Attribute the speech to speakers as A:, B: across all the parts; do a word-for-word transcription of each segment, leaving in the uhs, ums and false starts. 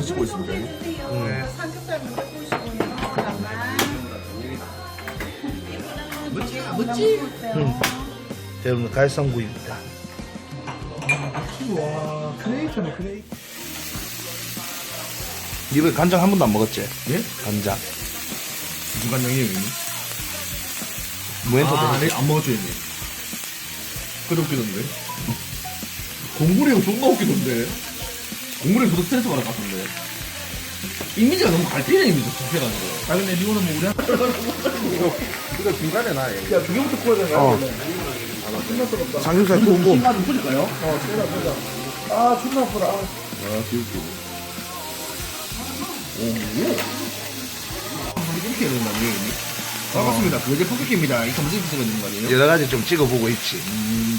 A: 찍고 있습니다.
B: 음. 삼겹살 먼저 구우시고요. 잠깐만.
A: 멋지?
C: 음. 여러분 갈성구이입니다.
A: 와, 크레이터네, 크레이.
C: 이번에 간장 한 번도 안 먹었지?
A: 예?
C: 간장.
A: 무슨 간장이에요, 형님?
C: 무엔터
A: 아,
C: 데
A: 네, 안 먹었죠, 형님? 그래 웃기던데? 공구리 형 존나 웃기던데? 공구리 형 저도 스트레스 받을 것 같은데? 이미지가 너무 갈피는 이미지 접해가지고. 아, 근데 이거는 뭐 우리 한
D: 이거 중간에 놔.
A: 야, 두 개부터 구워야 되나?
C: 어. 삼겹살 굽고.
A: 신발 좀 뿌릴까요?
D: 어, 쏘자, 쏘자.
A: 아, 존나 아프다. 아, 귀엽게. 오, 이렇게 해야 된다, 형님? 반갑습니다. 그게 포켓입니다. 이 검색 비서가 있는 거 아니에요?
C: 여러 가지 좀 찍어보고 있지.
A: 음.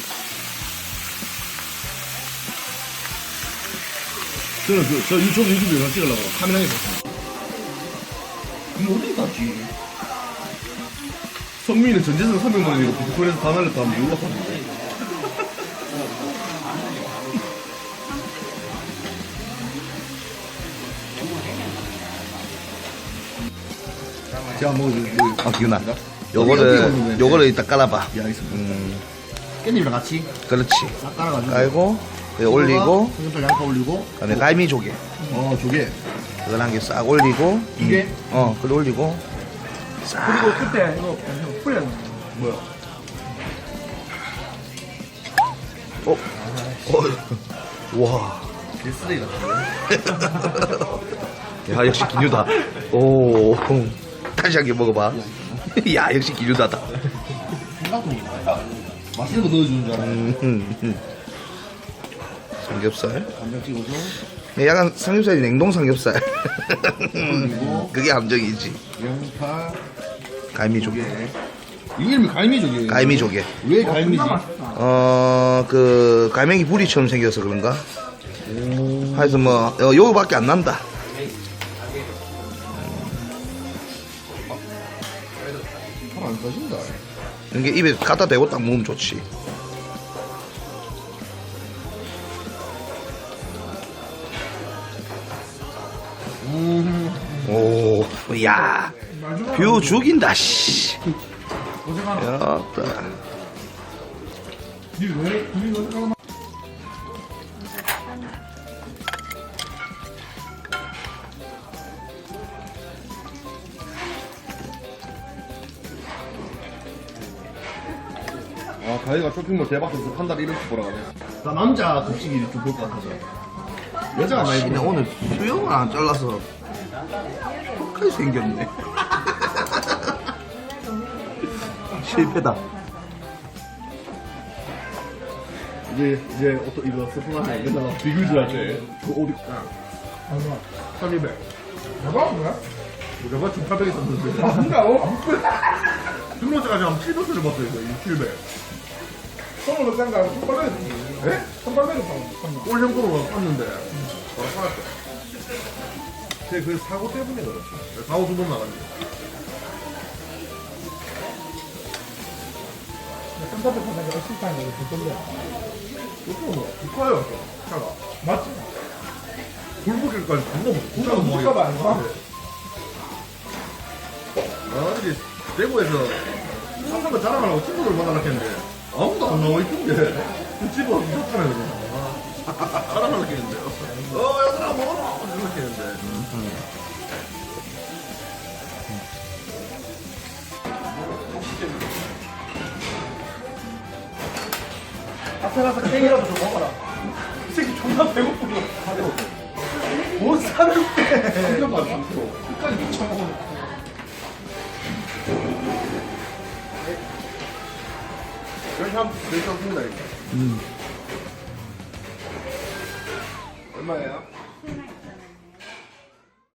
A: 저는 그, 저 유튜브 유튜브 영상 찍으려고 카메라에 봤습니다. 이거 어디 갔지? 성민이는 전재산 삼백만 원이고 비트코인에서 다 날렸다 하면 몰랐었는데. 제가 뭐, 뭐,
C: 아, 기훈아.
A: 어디, 어디
C: 요거를,
A: 먹는
C: 요거를 이따 깔아봐.
A: 예, 알겠습니다.
C: 음,
A: 깻잎이랑 같이
C: 그렇지.
A: 싹 깔아가지고.
C: 깔고, 여기 올리고,
A: 삼겹살 양파 올리고.
C: 그 다음에 갈미 조개.
A: 어, 조개.
C: 그걸 한 개 싹 올리고.
A: 두 개?
C: 음, 어, 그걸 올리고. 싹.
D: 그리고 그때 이거 풀려.
A: 뭐야?
C: 어? 어? 와.
A: 개쓰레기 같은데?
C: 야, 역시 기뉴다. 오. 다시 한 개 먹어봐. 야, 역시 기뉴다다.
A: 생각도 못해. 맛있는 거 넣어주는 줄 알았는데.
C: 음, 음, 음. 삼겹살.
A: 간장 찍어줘.
C: 네, 약간 삼겹살이 냉동 삼겹살.
A: 그리고
C: 그게 함정이지.
A: 양파,
C: 갈미 조개.
A: 조개. 이 이름이 갈미조개예요.
C: 갈미 조개.
A: 왜 갈미지?
C: 어, 그, 갈매기 부리처럼 생겨서 그런가? 하여튼 뭐, 어, 요거밖에 안 난다.
A: 잘 안 써진다.
C: 이게 입에 갖다 대고 딱 먹으면 좋지.
A: 음.
C: 오, 야, 뷰 죽인다, 씨. 였다.
A: 아, 가희가 쇼핑몰 대박에서 한 달에 이렇게 보라 가네. 나 남자 급식이 좀 볼 것 같아서. 여자가 많이
C: 근데
A: 보네.
C: 오늘 수영을 안 잘라서 턱하게 생겼네. 실패다.
A: 이제, 이제, 어떤, 이거 스프만에 내가 비교질 할 때, 그 어디,
D: 얼마?
A: 삼이백.
D: 대박 뭐야?
A: 내가 지금 팔백 있었는데.
D: 아, 진짜요?
A: 등록자까지 한 칠백을 봤어요, 이거. 칠백.
D: 손으로 짠가 손발레
A: 예?
D: 손발레로 짠.
A: 꼴შემ고로 샀는데, 바로 팔았대. 제 그 사고 때문에 그렇지. 사고 두 번 나갔네.
D: 쌈밥에 파는 게 어시스타인데 왜 돌려?
A: 이거 뭐, 국가요, 차가.
D: 맞지?
A: 골목길까지 존나 무서워.
D: 국가가 국가가 아닌가?
A: 아, 이제 대구에서 사는 거 자랑하려고 친구들 만나려 했는데 아무도 안 나와 있던데 그 집은 무섭잖아요 그냥. 아, 자랑하려고 했는데 어 얘들아 먹어라 이렇게 했는데
D: 앞에 가서 케이크라도 좀 먹어라. 이 새끼 존나 배고프고. 못 사는데.
A: 삼 킬로그램 삼 킬로그램
D: 끝까지 미쳐먹어.
A: 이렇게 하면 이렇게 하면 니다
C: 음.
A: 얼마예요?